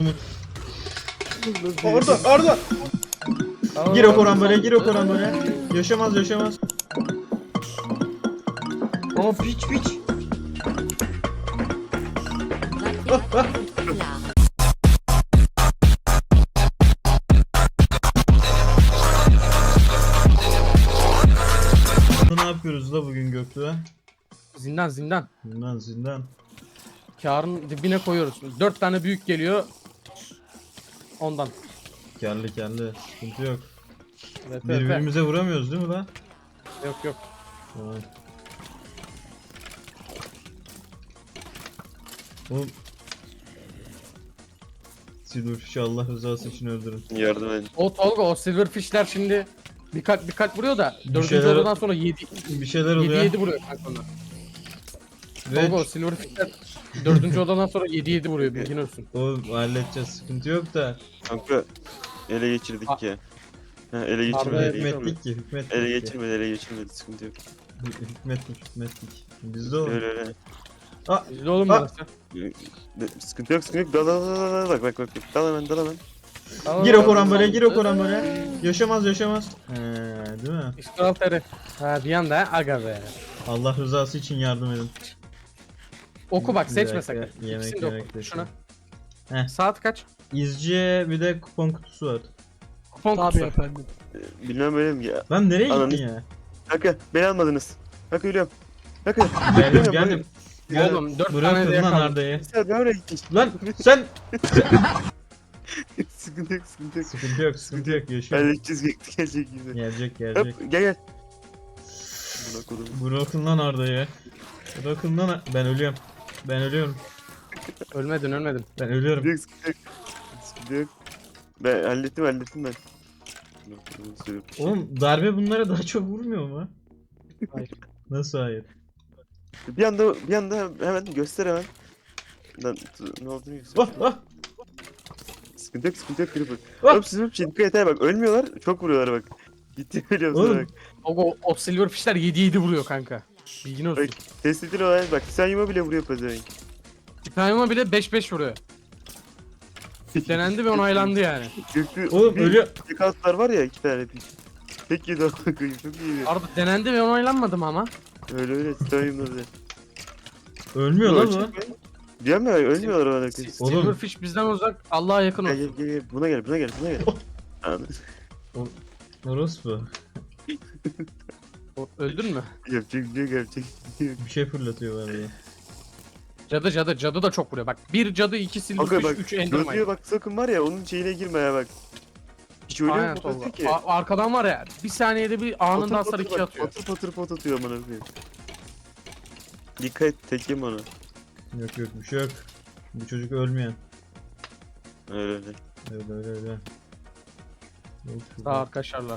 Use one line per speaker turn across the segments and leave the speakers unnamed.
Orada. Gir o korambole. Yaşamaz.
Aa piç.
Ne yapıyoruz da bugün Göktuğ'a?
Zindan.
Zindan.
Kârın dibine koyuyoruz. 4 tane büyük geliyor. Ondan.
Kelli. Sıkıntı yok.
VP.
Birbirimize vuramıyoruz değil mi lan?
Yok.
Tamam. Oğlum. Silverfish'i Allah rızası için öldürün.
Yardım edin.
O Tolga o silverfishler şimdi birkaç vuruyor da
Bir
4.
şeyler-
odadan sonra 7
Bir şeyler oluyor.
7 vuruyor kanka onlar.
Ve
Tolga o silverfishler 4. odadan sonra 7 vuruyor bilgin olsun.
oğlum halledeceğiz, sıkıntı yok da.
Kanka ele geçirdik ya. Ha, ele
Harbi
geçirmedi.
Hükmettik.
Ele geçirmedi. Sıkıntı yok.
Hükmettik. Bizde o.
Öyle.
Bizde oğlum
Ha.
burası.
Sıkıntı yok. Dal. Bak. Dal hemen.
Gir o korambole. Yaşamaz. Değil mi?
İşgal teri. Ha bir anda aga be.
Allah rızası için yardım edin.
Oku bak
Bir
seçme
dakika,
sakın.
yemek
İkisini de oku.
de
Şuna.
Heh.
Saat kaç?
İzciye bir de kupon kutusu var.
Kupon kutusu. Efendim.
Bilmem öyle mi ya?
Lan nereye
Ananı-
gittin ya?
Kanka beni almadınız. Kanka ölüyorum. Kanka.
Geldim.
Oğlum 4 tane de
Bırakın lan
yakalım.
Arda'yı.
Sen ne oraya gittin?
Lan sen.
Sıkıntı yok.
Sıkıntı yok yaşıyor.
Halledeceğiz gelecek gibi.
Gelecek.
Hop gel. Buna kodum.
Bırakın lan Arda'yı. Bırakın lan. Ben ölüyorum.
Ölmedin.
Ben ölüyorum.
Sıkıntı yok. Ben hallettim ben.
Oğlum darbe bunlara daha çok vurmuyor mu?
Hayır.
Nasıl hayır?
Bir anda hemen göster hemen. Lan ne olduğunu göster.
Ah.
Sıkıntı yok Creeper.
Ah!
Oğlum sizin için dikkat et ha bak ölmüyorlar çok vuruyorlar bak. Gitti biliyorum sana
Oğlum.
bak.
O silverfishler 7 vuruyor kanka. Bilgin olsun.
Bak test edin olay bak Titanium'a bile vuruyor pezevenk.
Titanium'a bile 5-5 vuruyor. Denendi ve onaylandı yani.
Göklü
Oğlum ölüyor.
Dekatlar var ya 2 tane piç. Tek yedi ona koyayım çok iyiydi.
Arada denendi ve onaylanmadı mı ama?
Öyle Titanium'da bile.
Ölmüyor lan bu.
Diyorum ya ölmüyorlar ona koyayım.
Oğlum.
Silverfish bizden uzak, Allah'a yakın olsun.
Gel buna gel. Anladın.
Orospu.
Öldün mü?
Yapacak bir şey yok.
Bir şey fırlatıyor var ya.
Cadı da çok vuruyor. Bak bir cadı, 2
Kanka
silverfish,
bak
3 endermine.
gözlüğe bak sakın var ya onun şeyine girme ya bak. Hiç öyle
Aynen
mi
Tolga.
atıyor ki?
Arkadan var ya bir saniyede bir anında hasar 2 atıyor.
Patır pot atıyor amına koyayım. Dikkat et tekim ona.
Yok bir şey yok. Bu çocuk ölmeyen.
Öyle.
Öyle. Yok,
Daha arkadaşlarlar.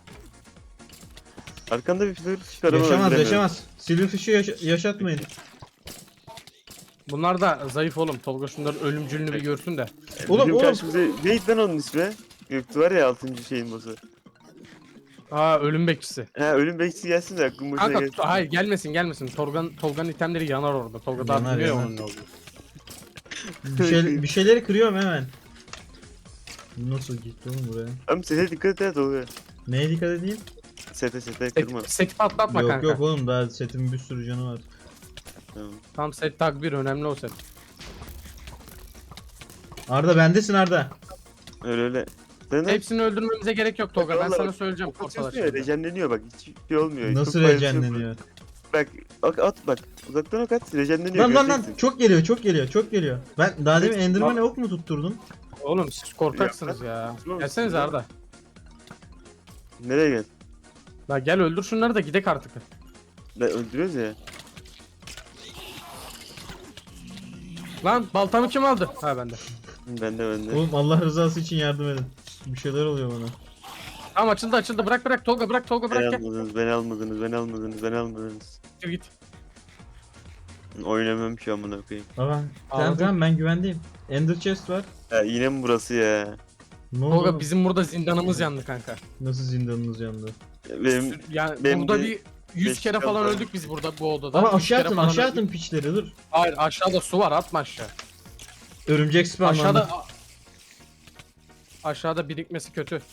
Arkanda bir flör çıkarama.
Yaşamaz. Silverfish'i yaşatmayın.
Bunlar da zayıf oğlum. Tolga şunların ölümcülünü bir görsün de.
Oğlum.
Karşımıza neydi lan onun ismi? Göktü var ya 6. şeyin boss'u.
Aa ölüm bekçisi.
Ha ölüm bekçisi gelsin de aklım boşuna
Kanka
gelsin.
hayır gelmesin. Tolga'nın itemleri yanar orada. Tolga daha
Yanar,
bilmiyor ya
yanar.
onun ne olduğunu.
Bir şeyleri kırıyorum hemen. Nasıl gitti oğlum buraya?
Ama sete dikkat et oluyor.
Neye dikkat edeyim?
Sete kırma.
Seti patlatma kanka.
Yok oğlum daha setimin bir sürü canı var.
Tamam.
Tam set tag 1 önemli o set.
Arda bendesin Arda.
Öyle. Sen
Hepsini öldürmemize gerek yok Tolga. Ben
Vallahi
sana
bak,
söyleyeceğim.
atıyorsun ya rejenleniyor bak hiç şey olmuyor.
Nasıl
Çok faydası yok.
rejenleniyor?
Bak at bak uzaktan ok at rejenleniyor.
Lan
göreceksin.
çok geliyor. Ben daha demin Enderman'e ok mu tutturdum?
Oğlum siz korkaksınız ya.
Oğlum,
Gelsenize Arda.
Nereye gel?
La gel öldür şunları da gidek artık.
Lan öldürüyoruz ya.
Lan baltamı kim aldı? Ha bende.
Ben de.
Oğlum Allah rızası için yardım edin. Bir şeyler oluyor bana.
Tamam açıldı. Bırak Tolga bırak gel.
Beni almadınız.
Gir git.
Oynamam şu amına koyayım.
Tamam.
Anladım.
Tamam ben güvendeyim. Ender chest var.
Ya yine mi burası ya?
Ne oldu?
Tolga bizim burada zindanımız yandı kanka.
Nasıl zindanınız yandı?
Benim
Yani
benim
burada
de
bir 100
beş
kere falan
kaldı.
öldük biz burada bu odada.
Ama
100 kere
aşağı
falan
atın
öldük.
piçleri dur.
Hayır aşağıda su var atma aşağı.
Örümcek spawnlandı.
Aşağıda Aşağıda birikmesi kötü.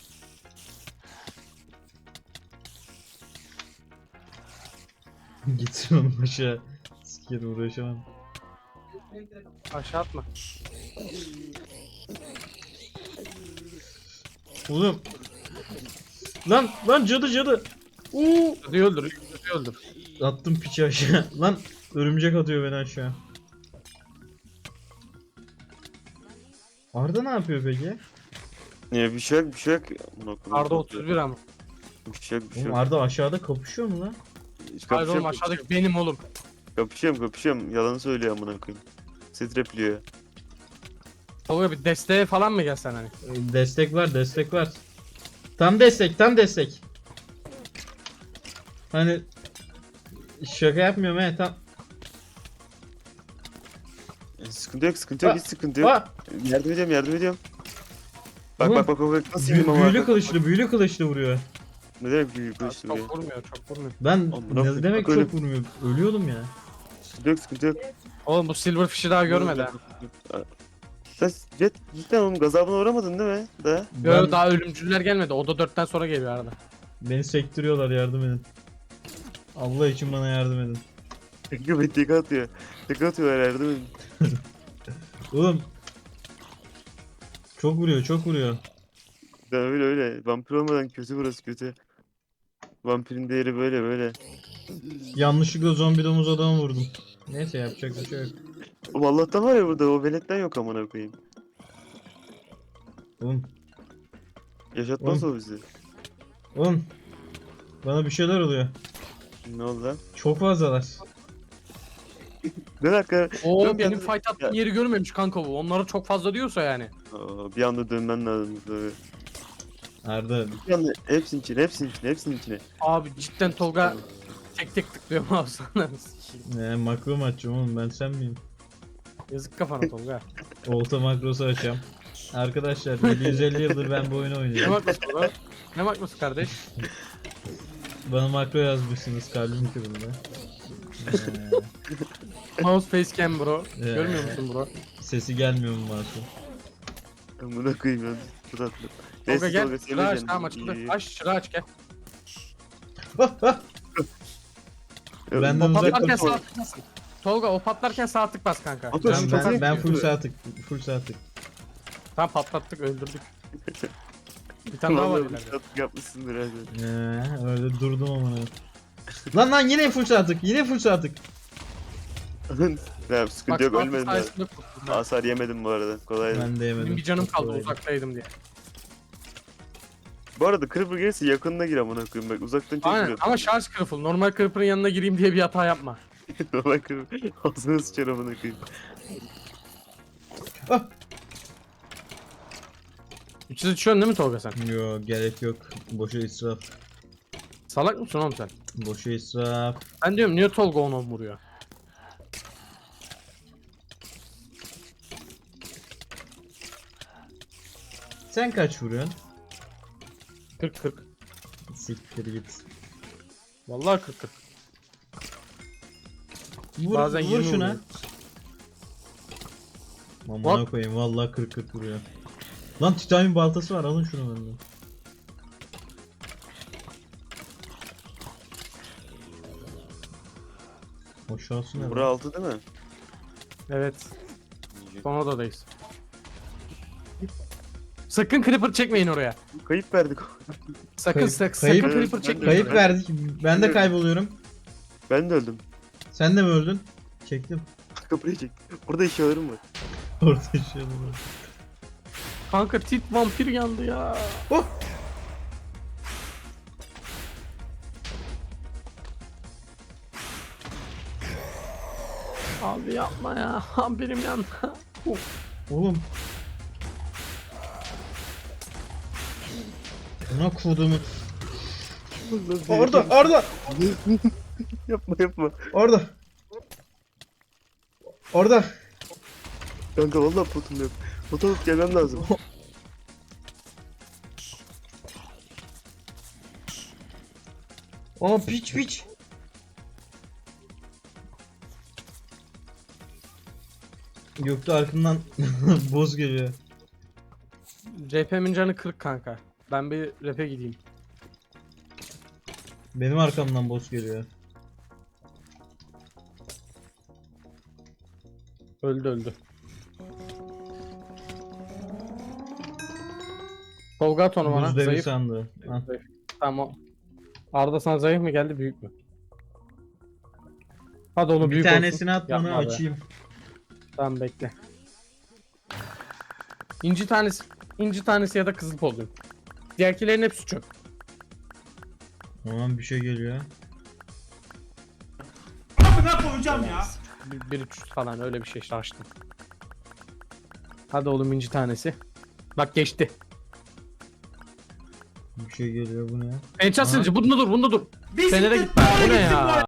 Gitsin oğlum aşağı. Sikerim uğraşamam.
Aşağı atma.
Oğlum. Lan cadı.
Cadı öldür. Cadı öldür.
Attım piçi aşağı. Lan örümcek atıyor beni aşağı. Arda ne yapıyor peki?
Niye bir şey yok bir şey yok. Amına koyayım,
Arda 31 ama.
Bir şey yok bir şey
Oğlum
yok.
Arda aşağıda kapışıyor mu lan?
Hayır oğlum aşağıdaki benim oğlum.
Kapışıyorum. Yalan söylüyor amına koyayım. Strepliyor.
Tolga bir desteğe falan mı gelsen hani?
Destek var. Tam destek. Hani şaka yapmıyorum he tam.
Sıkıntı yok hiç sıkıntı yok.
Aa!
Yardım ediyorum. Bak
Oğlum,
bak nasıl indim ama.
Büyülü kılıçlı vuruyor.
Ne demek büyük kılıçlı
Çok
ya.
vurmuyor, çok vurmuyor.
Ben
Amına
ne demek
koyayım.
çok vurmuyor. Ölüyordum ya.
Sıkıntı yok.
Oğlum bu Silverfish'i daha görmedi ha.
Sen cidden oğlum gazabına uğramadın değil mi? Da.
Yo, daha ölümcüller gelmedi. O da 4'ten sonra geliyor arada.
Beni sektiriyorlar, yardım edin. Allah için bana yardım edin.
Göbek tek atıyor. Tek atıyor yardım edin.
Oğlum. Çok vuruyor.
Ya öyle. Vampir olmadan kötü burası kötü. Vampirin değeri böyle.
Yanlışlıkla zombi domuz adamı vurdum. Neyse yapacak bir şey yok.
Oğlum Allah'tan var ya burada o veletten yok amına koyayım.
Oğlum.
Yaşatmaz o bizi.
Oğlum. Bana bir şeyler oluyor.
Ne oldu lan?
Çok fazlalar.
Ne dakika.
Oo
Dön
benim
ben-
fight attığım yeri görmemiş kanka bu. Onlara çok fazla diyorsa yani.
Aa, bir anda dönmen lazım. Tabii.
Arda.
Bir anda hepsinin içine.
Abi cidden Tolga tek tıklıyor mouse'dan.
Makro mu açacağım oğlum, ben sen miyim?
Yazık kafana Tolga.
Olta makrosu açacağım. Arkadaşlar 750 yıldır ben bu oyunu
Ne
oynuyorum.
makrosu Tolga? Ne makrosu kardeş?
Bana makro yazmışsınız, kalbim kırıldı.
Mouse facecam bro.
Ee,
Görmüyor musun bro?
Sesi gelmiyor mu masum?
Amına koyayım ya. Bu tatlı.
Tolga gel.
Tolga,
Çırağı aç
senin
tamam
canın
açıldı.
iyi.
Aç çırağı aç gel.
Benden
O
uzak
patlarken
dur.
sağ tık bas. Tolga o patlarken sağ tık bas kanka.
Abi,
Canım
şu
çok
tatlı-
az.
Ben full sağ tık.
Tamam patlattık öldürdük. Bir tane daha var
Vallahi
ileride.
tatlı yapmışsındır hadi.
Öyle durdum amına. Lan yine full sağ tık.
Ya sıkıntı
Bak
yok
sağ tık
ölmedim ben.
sayesinde kurtuldum.
Hasar yemedim bu arada. Kolaydı.
Ben de yemedim.
Benim bir canım
Çok
kaldı
kolaydı.
uzaktaydım diye.
Bu arada Creeper gelirse yakınına gir amına koyayım bak uzaktan çok
Aynen
vuruyor.
ama şarj kırıfıl. Normal kırpırın yanına gireyim diye bir hata yapma.
Normal Creeper ağzına sıçar amına koyayım.
Ah!
300 düşüyorsun değil mi Tolga sen?
Yo, gerek yok. Boşa israf.
Salak mısın oğlum sen?
Boşa israf.
Ben diyorum niye Tolga onu vuruyor?
Sen kaç vuruyorsun?
40-40.
Siktir git.
Vallahi 40-40.
Vur,
Bazen
vur
20
şuna.
vuruyor.
Amına
What?
koyayım, vallahi 40 vuruyor. Lan titanyum baltası var, alın şunu benden. Aşağısı ne
Bura
lan?
altı değil mi?
Evet. Son odadayız. Sakın creeper çekmeyin oraya.
Kayıp verdik.
Sakın
Kayıp-
sakın
kayıp-
creeper
Ben de-
çekmeyin.
Kayıp
oraya.
verdik. Ben de kayboluyorum.
Ben de öldüm.
Sen de mi öldün? Çektim.
Kapıyı çek. Burada eşyalarım var.
Orta şey olur.
Kanka tit vampir yandı ya.
Oh!
Abi yapma ya. Vampirim yandı.
Oğlum. Buna kodumu. Orada.
yapma.
Orada.
Kanka vallahi potum yok. Pot alıp gelmem lazım.
Aa, piç. Gökte arkamdan boz geliyor.
RP'min canı 40 kanka. Ben bir rap'e gideyim.
Benim arkamdan boss geliyor.
Öldü. Tolga at onu bana.
Buz devi
Zayıf.
sandı. Ha.
Zayıf. Tamam. Arda sana zayıf mı geldi büyük mü? Hadi oğlum
Bir
büyük
tanesini
olsun.
at bana
Yapma be.
açayım.
Tamam bekle. İnci tanesi ya da kızıl polygon. Diğerkilerin hepsi çöp.
Tamam bir şey geliyor.
Amına koyacağım ya.
1-3 falan öyle bir şey işte açtım. Hadi oğlum inci tanesi. Bak geçti.
Bir şey geliyor bu ne?
Enchant
Aha.
sılıcı bunda dur.
Bir
Fener'e
siktir
gitme. Bu ne
gittim
ya?